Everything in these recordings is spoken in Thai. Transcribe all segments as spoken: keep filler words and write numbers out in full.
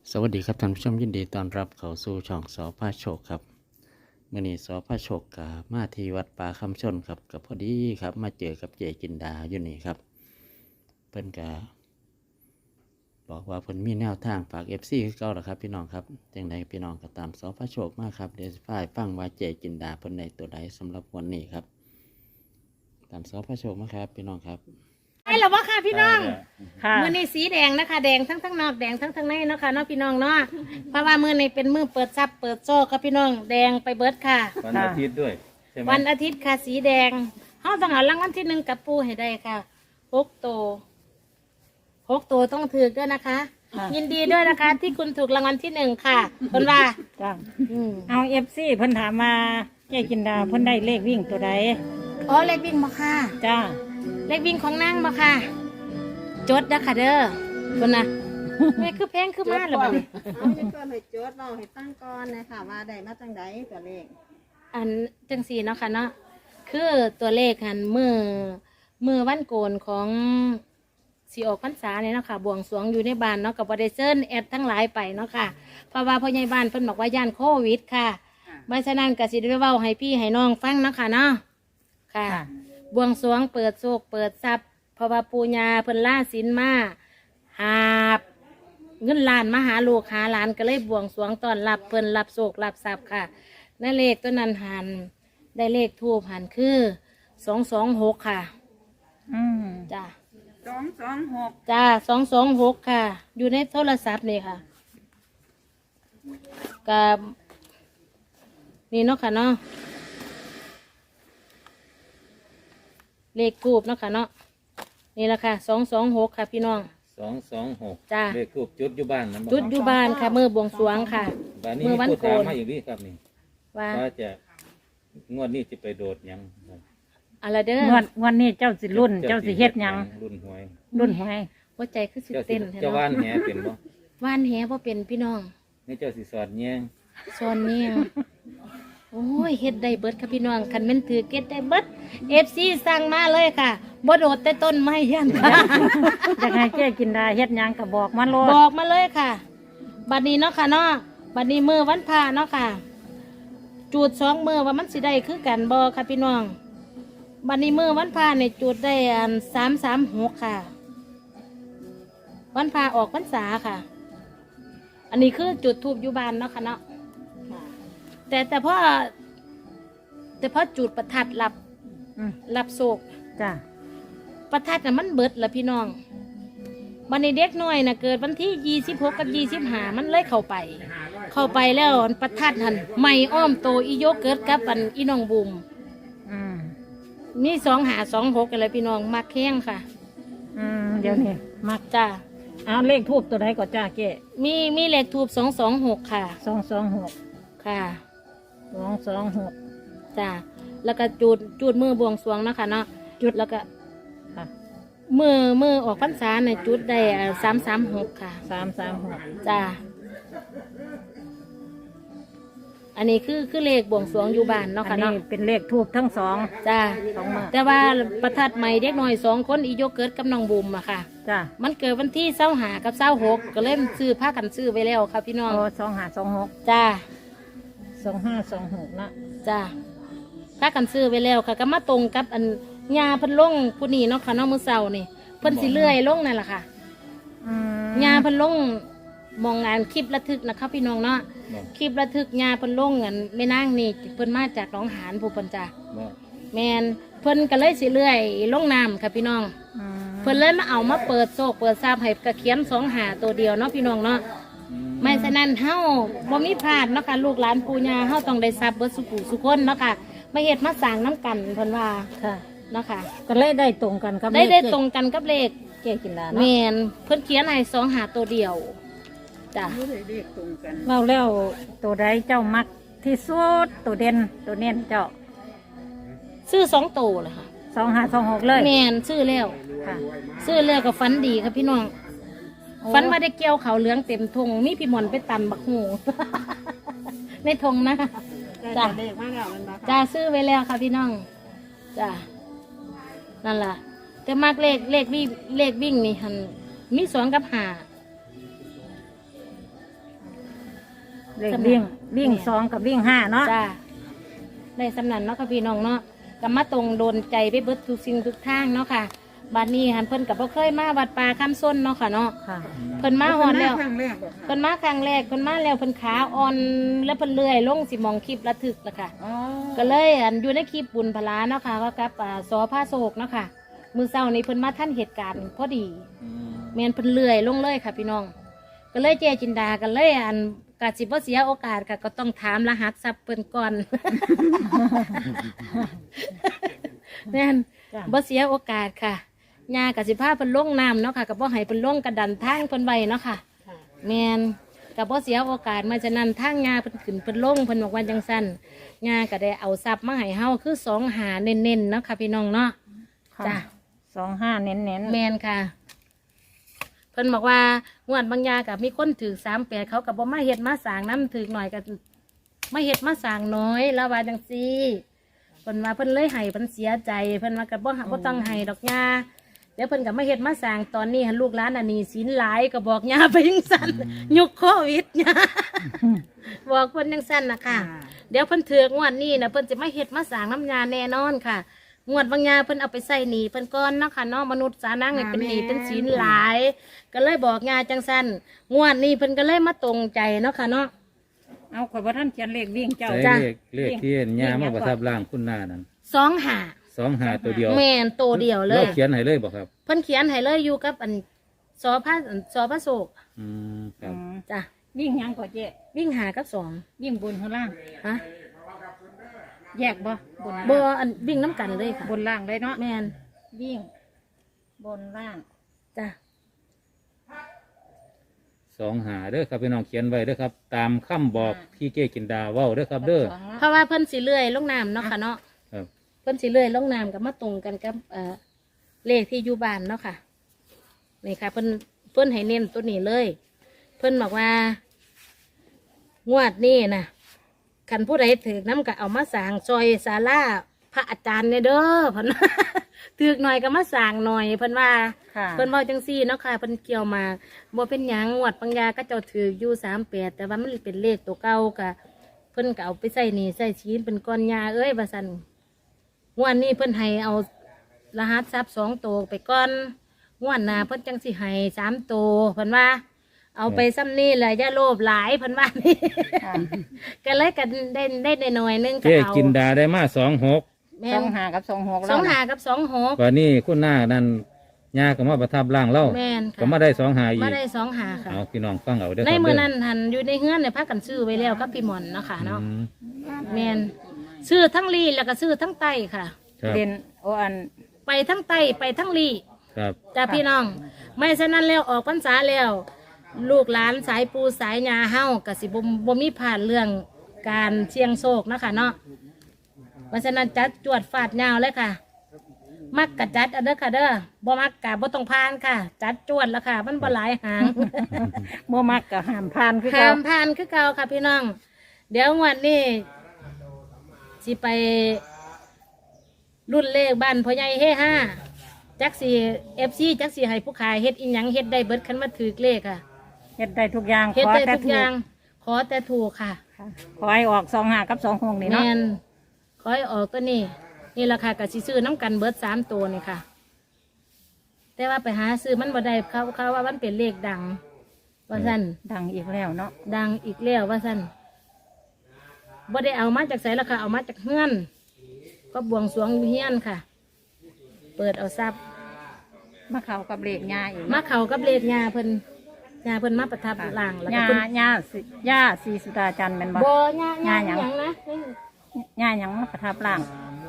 สวัสดีครับท่านผู้ชมยินดีต้อนรับเข้าสู่ช่องสอพาโชคครับมื่อนี้สอพาโชคกับมาที่วัดป่าคำชนครับกับพอดีครับมาเจอกับเจจินดาอยู่นี่ครับเพิ่นกะบอกว่าเพิ่นมีแนวทางฝากเอฟซีคือเก่าหรอครับพี่น้องครับจังใดพี่น้องก็ตามสอพาโชคมาครับเดี๋ยวฝ่ายฟังว่าเจจินดาเพิ่นในตัวใดสำหรับวันนี้ครับตามสอพาโชคมาครับพี่น้องครับใช่หรอวะค่ะพี่น้องค่ะมือในสีแดงนะคะแดงทั้งทั้งนอกแดงทั้งทั้งในเนาะค่ะเนาะพี่น้องเนาะเพราะว่ามือในเป็นมือเปิดซับเปิดโซ่ค่ะพี่น้องแดงไปเบิดค่ะวันอาทิตย์ด้วยใช่ไหมวันอาทิตย์ค่ะสีแดงเขาต้องเอารางวัลที่หนึ่งกับปูให้ได้ค่ะหกตัวหกตัวต้องถือด้วยนะคะ ยินดีด้วยนะคะ ที่คุณถูกรางวัลที่หนึ่งค่ะคนว่าจ้าอืมเอาเอฟซีเพิ่นถามมาเจ๊กินดาเพิ่นได้เลขวิ่งตัวใดอ๋อเลขวิ่งมาค่ะจ้าเลขวิ่งของนางมาค่ะ จดนะค่ะเด้อคนน่ะไม่คือแพงคือมาหรือเปล่าเอาจะเพิ่มให้โจทย์เราให้ตั้งก่อนนะคะว่าได้มาจังใดตัวเลขอันจังสีเนาะค่ะเนาะคือตัวเลขหันมือมือวันโกนของสีออกพรรษาเนี่ยเนาะค่ะบวงสรวงอยู่ในบ้านเนาะกับบริเซนแอดทั้งหลายไปเนาะค่ะเพราะว่าพ่อใหญ่บ้านเพิ่นบอกว่าย่านโควิดค่ะไม่ฉะนั้นก็สิได้เว้าให้พี่ให้น้องฟังเนาะค่ะเนาะค่ะค่ะบวงสรวงเปิดโศกเปิดทรัพย์เพราะว่าปูญาเพิ่นล่าสินมาหาบเงินล้านมาหาลูกหาหลานก็เลยบวงสรวงต้อนรับเพิ่นรับโศกรับทรัพย์ค่ะนั่นเลขตัวนั้นหันได้เลขทูบหันคือสองสองหกค่ะอืมจ้าสองสองหกจ้าสองสองหกค่ะ อยู่ในโทรศัพท์นี่ค่ะกับนี่เนาะค่ะเนาะเลขทูบเนาะค่ะเนาะนี่แหละค่ะสองสองหกค่ะพี่น้องสองสองหกจ้ะเลขทูบจุดอยู่บ้านนะจุดอยู่บ้านค่ะมือบวงสรวงค่ะบ้านนี้มือมีวันผู้โกถามนมาอีกนี่ครับนี่ว่าว่าจะงวดนี้จะไปโดดหยังครับอะไรเด้งวอดงวดนี้เจ้าสิรุ่น เจ้าสิเฮ็ดหยังรุ่นหวยรุ่นหวยหัวใจคือสิเจ้าสิเต้นแท้เจ้าว่านเนาะแหเป็นบ่ว่านแหบ่เป็นพี่น้องนี่เจ้าสิสอดแยงซอนเนี่ยโอ้ยเฮ็ดได้เบิดค่ะพี่น้องคันแม่นถือเก็ดได้เบิดเอฟซีสั่งมาเลยค่ะบ่โดดแต่ต้นไม้ยันอยากให้เจ๊กินดาเฮ็ดหยังก็บอกมาโลดบอกมาเลยค่ะ บัดนี้เนาะค่ะเนาะบัดนี้มือวันพระเนาะค่ะ จูดสองมือว่ามันสิได้คือกันบ่ค่ะพี่น้อง บัดนี้มือวันพระเนี่ยจูดได้อันสามสามหกค่ะ วันพระออกพรรษาค่ะ อันนี้คือจุดทูบอยู่บ้านเนาะค่ะเนาะแต่แต่พอแต่พอจุดประทัดรับอืมรับโศกจ้าประทัดน่ะมันเบิดละพี่น้องวันนี้เด็กน้อยน่ะเกิดวันที่ยี่สิบหกกับยี่สิบห้ามันเลยเข้าไป เข้าไปแล้วประทัดหันไม่อ้อมโตอีโยเกิดกับอันอีน้องบุมอืมมีสองหาสองหกกันเลยพี่น้องมักแข้งค่ะอืมเดี๋ยวนี้มักจ้าเอาเลขทูบตัวใดก็จ้าเจ๊มีมีเลขทูบสองสองหกค่ะสองสองหกค่ะสองสองหกจ้าแล้วก็จูดจูดมือบวงสรวงเนาะคะเนาะจุดแล้วก็ค่ะมือมือออกพรรษาเนี่ยจุดได้สามสามหกค่ะสามสามหกจ้า อันนี้คือคือเลขบวงสรวงอยู่บ้านเนาะอัค่ะนนี้เนาะเป็นเลขทูบทั้งสองจ้าสองมือแต่ว่าประทัดใหม่เด็กน้อยสองคนอีโยเกิดกับน้องบุมอะค่ะจ้ามันเกิดวันที่เศร้าหากับเศร้าหกก็เล่มซื้อผ้ากันซื้อไปแล้วค่ะพี่น้องโอ้สองห้าสองหกจ้าสองห้าสองหกนะจ้าผ้ากันซื้อไปแล้วค่ะ ก็มาตรงกับอันยาเพันลงผู้นี้เนาะค่ะเน้องมือเสานี่เพิ่นสิเลื่อยลงนั่นแหละค่ะอืมยาเพันลงมองงานคลิประทึกนะคะพี่น้องเนาะบ่คลิประทึกยาเพันลงเงินไม่นั่งนี่เพิ่นมาจากหนองหานผู้เพิ่นจ้าบ่แมนเพิ่นก็เลยสิเลื่อยลงน้ำค่ะพี่น้องอืมเพิ่นเลยมาเอามาเปิดโซกเปิดซาบให้กระเขียนสองหาตัวเดียวเนาะพี่น้องเนาะอืไม่ฉะนั้นเฮาบ่มีพลาดเนาะค่ะลูกหลานปู่ย่าเฮาต้องได้ทรัพย์เบิดสุขุสุคนเนาะค่ะมาเฮ็ดมาสร้างน้ำกันเพิ่นว่าค่ะเนาะค่ะก็เลยได้ตรงกันกับได้เลขได้เจ๊ตรงกันกับเลขเจ๊กินดาแมเนาะนเพิ่นเขียนให้สองหาตัวเดียวจ้ะรู้ได้เลขตรงกันเราแล้วตัวใดเจ้ามักที่สุดตัวเด่นตัวเน้นเจ้าซื้อสองตัวเลยค่ะสองห้าสองหกเลยแมนซื้อแล้วค่ะซื้อแล้วก็ฝันดีค่ะพี่น้องโอ้ฝันว่าได้เกี่ยวเขาวเหลืองเต็มทงมีพี่หมอนไปตำบักหู ในทงนะได้จ้ะเลขมาแล้วมันมาจ้าซื้อไว้แล้วค่ะพี่น้องจ้านั่นล่ะแต่มากเลขเลขวิ่งเลขวิ่งนี่หันมีสองกับหาเลขวิ่งวิ่งสองกับวิ่งห้าเนาะจ้าในสำนันเนาะค่ะพี่น้องเนาะก็มาตรงโดนใจไปเบิดทุกสิ่งทุกทางเนาะค่ะบัดนี้หันเพิ่นกับบ่เคยมาวัดป่าคำส้นเนาะค่ะเนาะค่ะเพิ่นมาฮอดแล้วครั้งแรกบ่คะเพิ่นมาครั้งแรกเพิ่นมาแล้วเพิ่นขาอ่อนแล้วเพิ่นเลื่อยลงสิมองคลิประทึกละค่ะอ๋อก็เลยอันอยู่ในคลิปบุญพลาเนาะค่ะก็กับอ่าสอผ้าโศกเนาะค่ะมือเศร้านี้เพิ่นมาท่านเหตุการณ์พอดีอืมแมนเพิ่นเลื่อยลงเลยค่ะพี่น้อง ก็เลยเจจินดากันเลยอันกาสิบ่เสียโอกาสค่ะก็ต้องถามรหัสทรัพย์เพิ่นก่อน แม่นจ้ะบ่เสียโอกาสค่ะยากสิพาเพิ่นลงน้ำเนาะค่ะก็บ่ให้เพิ่นลงกระดันทางเพิ่นไว้เนาะค่ะแม่นก็บ่เสียโอกาสมาฉะนั้นทางยาเพิ่นขึ้นเพิ่นลงเพิ่นบอกว่าจังซั่นยาก็ได้เอาทรัพย์มาให้เฮาคือสองหาเน้นๆเนาะค่ะพี่น้องเนาะค่ะจ้ะสองห้าเน้นเน้นแมนค่ะ เพิ่นบอกว่างวดบางยากับมีคนถือสามแปดเขากับบ่มาเฮ็ดมาสร้างน้ำถือหน่อยกับมาเฮ็ดมาสร้างน้อยแล้วว่าจังซี่เพิ่นว่าเพิ่นเลยให้เพิ่นเสียใจเพิ่นว่ากับบ่บ่ต้องให้ดอกยาเดี๋ยวเพิ่นกับมาเฮ็ดมาสร้างตอนนี้หันลูกหลานอันนี้สินหลายก็บอกยาไปจังซั่นยุคโควิดยาบอกเพิ่นจังซั่นน่ะค่ะ เดี๋ยวเพิ่นถือกงวดนี้นะเพิ่นจะมาเฮ็ดมาสร้างน้ำยาแน่นอนค่ะ งวดบางยาเพิ่นเอาไปใส่หนีเพิ่นก้อนเนาะค่ะเนาะมนุษย์สานังเนี่ยเป็นหนีเป็นศีลหลาย ก็เลยบอกยาจังสันงวดนี้เพิ่นก็เลยมาตรงใจเนาะค่ะเนาะๆเอาข่อยว่าท่านเขียนเลขวิ่งเจ้าใส่จ้ะเลขเลขที่ยามาประทับร่างคุณหน้านั้นสองหาสองหาตัวเดียวแม่นโตวเดียวเลยราเขียนให้เลยบอกครับเพิ่นเขียนให้เลยอยู่กับอันสอพระสอพระโศกอืมครับอืมจ้ะวิ่งหยังก่อนเจ๊วิ่งหากับสองวิ่งบนข้างล่างฮะแยกบ่บนบ่อันวิ่งน้ำกันเลยค่ะบนล่างเลยเนาะแม่นวิ่ง บนล่างจ้ะสองหาเด้อครับพี่น้องเขียนไว้เด้อครับ ตามคำบอกที่เก้กินดาเว้าเด้อครับ เด้อสองเพราะว่าเพิ่นสิเลื่อยลงน้ำเนาะค่ะเนาะครับเพิ่นสิเลื่อยลงน้ำกับมาตรงกันกับเอ่อเลขที่อยู่บ้านเนาะค่ะนี่ค่ะเพิ่นเพิ่นให้เน้นตัวนี้เลย เพิ่นบอกว่างวดนี้นะคันผู้ใดถือน้ำก็เอามาสร้างซอยศาลาพระอาจารย์เนี่ยเด้อเพิ่น ถือหน่อยก็มาสร้างหน่อยเพิ่นว่าค่ะเพิ่นเว้าจังซี่เนาะค่ะเพิ่นเกี่ยวมาบ่เป็นหยังงวดปังยาก็เจ้าถืออยู่สามแปดแต่ว่ามันเป็นเลขตัวเก่ากะเพิ่นก็เอาไปใส่หนี่ใส่ชีนเป็นก้อนยาเอ้ยว่าซั่นงวดนี้เพิ่นให้เอารหัสทรัพย์สองตัวไปก่อนงวดหน้าเพิ่นจังสิให้สามตัวเพิ่นว่า เอาไปซ้ำนี่แหละอย่าโลภหลายเพิ่นว่านี่ค่ะก็เลยกันได้ได้ได้หน่อยนึงก็เก้เอากินดาได้มาสองหกแม่สอน งห้ากับสองหกสองแล้วหานะกับสองหกวันนี้คุณหน้านั้นยาก็มาประทับร่างเล่าแม่นค่ะก็มาได้สองหาอีมาก ได้สองหาค่ะเอาพี่น้องฟังเอาเด้อคในรับมือเด้นั้นหันอยู่ในเฮือนเนี่ยพักกันซื้อไว้แล้วกับพี่หมอนเนาะค่ะเนาะอืมแมนซื้อทั้งลีแล้วก็ซื้อทั้งไตค่ะครับเด่นโออันไปทั้งไตไปทั้งลีครับจ้าพี่น้อง ไม่ฉะนั้นแล้วออกพรรษาแล้ว ลูกหลานสายปูสายยาเฮากสิบบ่มีผ่านเรื่องการเชียงโศกเนาะคะเนาะเพราะฉะนั้นจัดจวดฟาดยาวเลยค่ะ มักกะจัดอันเด้อค่ะเด้อบ่มักกะบ่ต้องพานค่ะ จัดจวดแล้วค่ะ มันบ่หลายหางโมมักกับหามพานคือห้าเก่ามผ่านคือเก่าค่ะพี่น้อง เดี๋ยวงวันนี้สิไปรุ่นเลขบ้านพ่อใหญ่เฮห้าจักสีเอฟซีจักสีให้ผู้ขายเฮ็ดอีหยังเฮ็ดได้เบิดคันมาถือเลขค่ะเฮ็ดได้ทุกอย่างเฮ็ดขอได้แต่ทุกถูอก ย่าง ขอแต่ถูกค่ะค่ะขอให้ออกสองห้ากับสองหกนี่แมเนาะนขอให้ออกตัวนี้ นี่ราคากับสิซื้อน้ำกันเบิดสามตัวนี่ค่ะ แต่ว่าไปหาซื้อมันบ่ได้เขาเขาว่ามันเป็นเลขดัง ว่าสั้นดังอีกแล้วเนาะดังอีกแล้วว่าสั้นบ่ได้เอามาจากไสแล้วค่ะ เอามาจากเฮือน ก็บวงสรวงอยู่เฮียนค่ะ เปิดเอาทรัพย์มาเข้ากับเลขยาอีกมาเขากับเลขยาเพิ่นยาเพิ่นมาประทับหลังแล้วก็ยาเพิ่นยาสิยาสีสุดาจันทร์แม่นบ่บ่ยาายาหหยัยัง งนะยาหยังมาประทับร่าง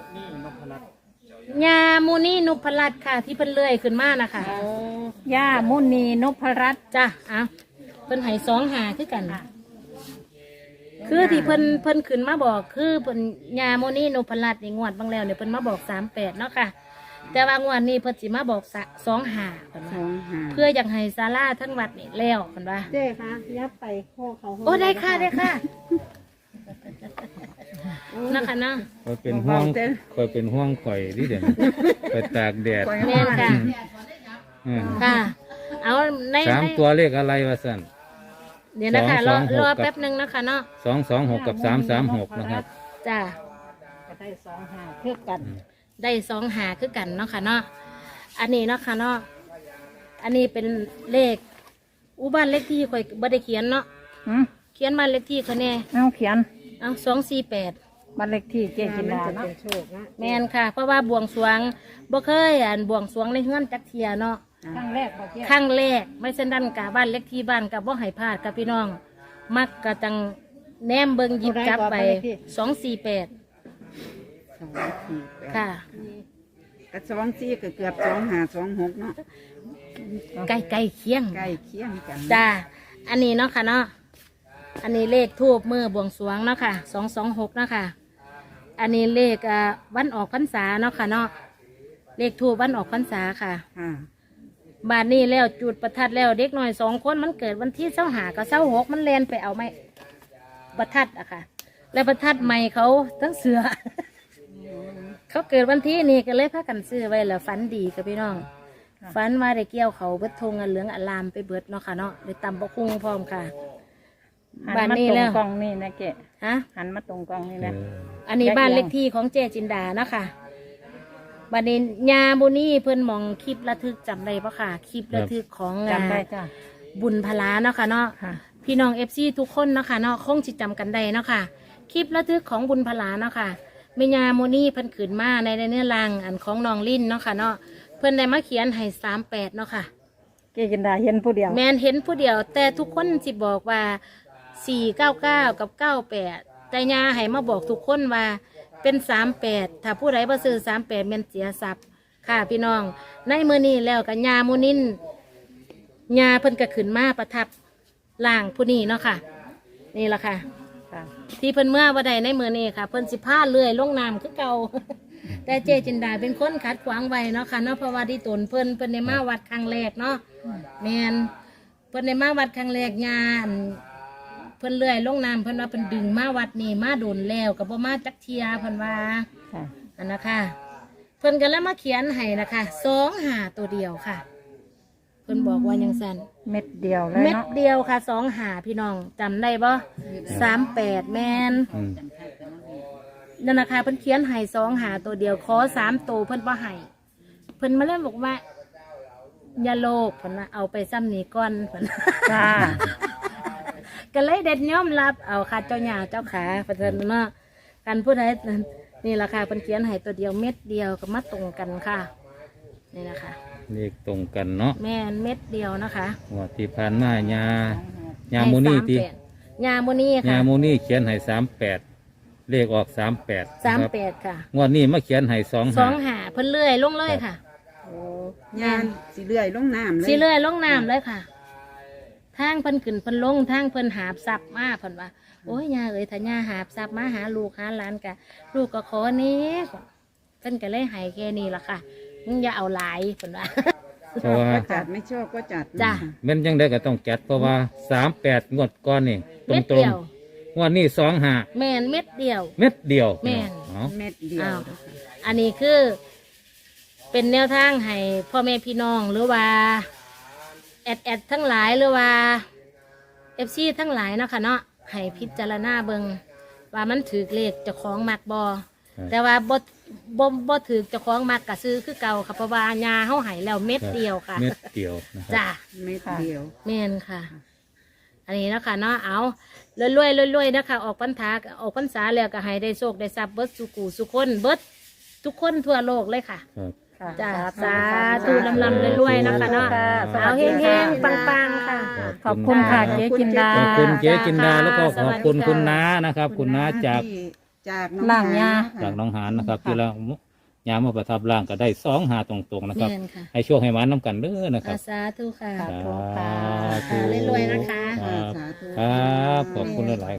ยามูนี่นุพรัตน์ค่ะ ที่เพิ่นเลื่อยขึ้นมานะคะยามุนีนพรัตน์จ้ะอ่ะเพิ่นให้สองหาคือกัน คือที่เพิ่นเพิ่นขึ้นมาบอกคือเพิ่นยาโมนี่นุพรัตน์นี่งวดบางแล้วเนี่ยเพิ่นมาบอกสามแปดเนาะค่ะ แต่ว่างวดนี้เพิ่นสิมาบอกสะสองหาเพิ่นว่าเพื่ออยากให้ศาลาทั้งวัดนี่แล้วเพิ่นว่าเจ๊คะยับไปข้อเขาโอ้ได้ค่ะได้ค่ะนะคะเนาะคอยเป็นห่วงคอยเป็นห่วงข่อยดิเด่นคอยตากแดดแม่นค่ะอืมค่ะ เอาในสามในตัวเลขอะไรวะสันใเดี๋ยวนะคะรอสองสองหกรอกับแป๊บหนึงนะคะเนาะสองสองหกกับสามสามหกนะครับจ้าก็ได้สองห้าเพื่อกันได้สองหาคือกันเนาะค่ะเนาะอันนี้เนาะค่ะเนาะอันนี้เป็นเลขอุบ้านเลขที่ข่อยบ่ได้เขียนเนาะหืมเขียนบ้านเลขที่เขาแน่เอาเขียนเอาสองสี่แปดบ้านเลขที่เจ๊จินดาจะเนาะเป็นโชคนะแมนค่ะ เพราะว่าบวงสรวงบ่เคยอ่านบวงสรวงในเฮือนจักเทียเนาะครั้งแรกบ่เจ๊ครั้งแรกไม่เช่นนั้นกะบ้านเล็กที่บ้านกับบ่ให้พลาดกับพี่น้อง มักกะจังแนมเบิงหยิบจับไปสองสี่แปดสองสี่แปดค่ะกระสองสี่ก็เกือบสองหาสองหกเนาะใกล้ใกล้เคียงใกล้เคียงกันจ้าอันนี้เนาะค่ะเนาะอันนี้เลขทูบมือบวงสรวงเนาะค่ะสองสองหกเนาะค่ะ อันนี้เลขอ่าวันออกพรรษาเนาะค่ะเนาะเลขทูบวันออกพรรษาค่ะค่ะบานนี้แล้วจุดประทัดแล้วเด็กหน่อยสองคนมันเกิดวันที่เสาหากับเสาหกมันแลนไปเอาไม้ประทัดอะค่ะ แล้วประทัดใหม่เขาทั้งเสือ เขาเกิดวันที่นี่ก็เลยพากันซื้อไว้แล้วฝันดีกับพี่น้องฝันว่าได้เกี่ยวเขาเบิดธงอันเหลืองอลามไปเบิดเนาะค่ะเนาะได้ตำบะคุ้งพร้อมค่ะหันบ้านมานี้ตรแล้งวกล้องนี่นะเจ๊ฮะหันมาตรงกล้องนี่นะอันนี้แยกบ้านแยะเลขที่ของเจจินดานะคะบันนี้ยาบุนี่เพิ่นมองคลิประทึกจำได้ปะค่ะ คลิประทึกของจำได้จ้ะบุญพลาเนาะค่ะเนาะค่ะพี่น้องเอฟซีทุกคนเนาะค่ะเนาะคงจิจำกันได้เนาะค่ะ คลิประทึกของบุญพลาเนาะค่ะเมญาโมนี่เพิ่นขืนมาในเนื้อรังอันของน้องลิ้นเนาะค่ะเนาะเพิ่นได้มาเขียนให้สามแปดเนาะค่ะเจ๊จินดาเห็นผู้เดียวแมนเห็นผู้เดียว แต่ทุกคนสิบอกว่าสี่เก้าเก้ากับเก้าแปดแต่ยาให้มาบอกทุกคนว่าเป็นสามแปดถ้าผู้ใดบ่ซื้อสามแปดแม่นเสียทรัพย์ค่ะพี่น้อง ในมือนี้แล้วกับยาโมนินยาเพิ่นก็ขึ้นมาประทับล่างผู้นี้เนาะค่ะ นี่แหละค่ะค่ะที่เพิ่นเมื่อวันใดในมือนี้ค่ะ เพิ่นสิพาเลื่อยลงน้ำคือเก่า แต่เจจินดาเป็นคนขัดขวางไว้เนาะค่ะเนาะเพราะว่าที่ตนเพิ่นเพิ่นในมาวัดครั้งแรกเนาะแมนเพิ่นในมาวัดครั้งแรกงานเพิ่นเลื่อยลงน้ำเพิ่นว่าเพิ่นดึงมาวัดนี่มาโดนแล้วกับบ่มาจักเทียเพิ่นว่าค่ะอันนะคะเพิ่นก็เลยมาเขียนให้นะคะสองหาตัวเดียวค่ะ เพิ่นบอกว่ายังสั่นเม็ดเดียวเลยเม็ดเนาะเดียวค่ะสองหาพี่น้องจำได้บ่สามแปดแมนอืมนั่นนะคะเพิ่นเขียนให้สองหาตัวเดียวขอสามตัวเพิ่นบ่ให้เพิ่นมาเล่นบอกว่าอย่าโลภเพิ่นว่าเอาไปซ้ำนี้ก่อนเพิ่นจ้าก็เลยเด็ดยอมรับเอาค่ะเจ้าหญ้าเจ้าขาเพิ่นเนาะกันผู้ใดนี่แหละค่ะเพิ่นเขียนให้ตัวเดียวเม็ดเดียวก็มาตรงกันค่ะนี่นะคะเลขตรงกันเนาะแม่นเม็ดเดียวนะคะงว่าที่ผ่านมาญาญาโมนี่ที่ยาโมนี่ญาค่ะโมนี่เขียนให้สามแปดเลขออกสามแปดสามแปดค่ะงวดนี้มาเขียนให้สองสอห้างหาเพิ่นเลื่อยลงเลยค่ะงานสีเลื่อยลงน้ำเลยสีเลื่อยลงน้ำเลยค่ะทางเพิ่นขึ้นเพิ่นลงทางเพิ่นหาบซับมาเพิ่นว่าโอ้ยยาเอ้ยถ้ายาหาบซับมาหาลูกหาหลานกะลูกก็ขอเนี้เพิ่นก็เลยให้แค่นี้ล่ะค่ะมึงอย่าเอาหลายเพิ่นว่าเพราะว่าก็จัดไม่ชอบก็จัดจ้ะแม่นยังได้ก็ต้องจัดเพราะว่าสามแปดงวดก้อนนี่ตรเม็งดตรเดีงยวงวดนี้สองห้าแม่นเม็ดเดียวเม็ดเดียวแม่นเอาเม็ดเดียวอ้าว อันนี้คือเป็นแนวทางให้พ่อแม่พี่น้องหรือว่าแอดแอดทั้งหลายหรือว่าเอฟซีทั้งหลายเนาะค่ะเนาะให้พิจารณาเบิงว่ามันถือเลขเจะคล้าของมักบอแต่ว่าบ่บ่บ่ถือเจะคล้าของมักกะซื้อคือเก่าค่ะเพราะว่ายาเฮาให้แล้วเม็ดเดียวค่ะเม็ดเดียวนะครับจ้าเม็ดเดียวแม่นค่ะ อันนี้เนาะคะเนาะเอารวยๆรวยๆนะคะออกพรรษาออกพรรษาแล้วก็ให้ได้โชคได้ทรัพย์เบิดสุกูสุคนเบิดทุกคนทั่วโลกเลยค่ะครับค่ะจ้าสาธุลำลำรวยๆนะคะเนาะเอาเฮงๆปังๆค่ะขอบคุณค่ะเจ๊จินดาขอบคุณเจ๊จินดาค่ะแล้วก็ขอบคุณสวัสดีค่ะคุณน้านะครับ คุณน้าจากที่จากล่างยาจากน้องหานนะครับที่เรายามมาประทับร่างก็ได้สองหาตรงๆนะครับแม่นค่ะให้ช่วงให้หวานน้ำกันเด้อนะครับสาธุค่ะสาธุค่ะค่ะรวยๆนะคะครับสาธุครับขอบคุณหลายๆ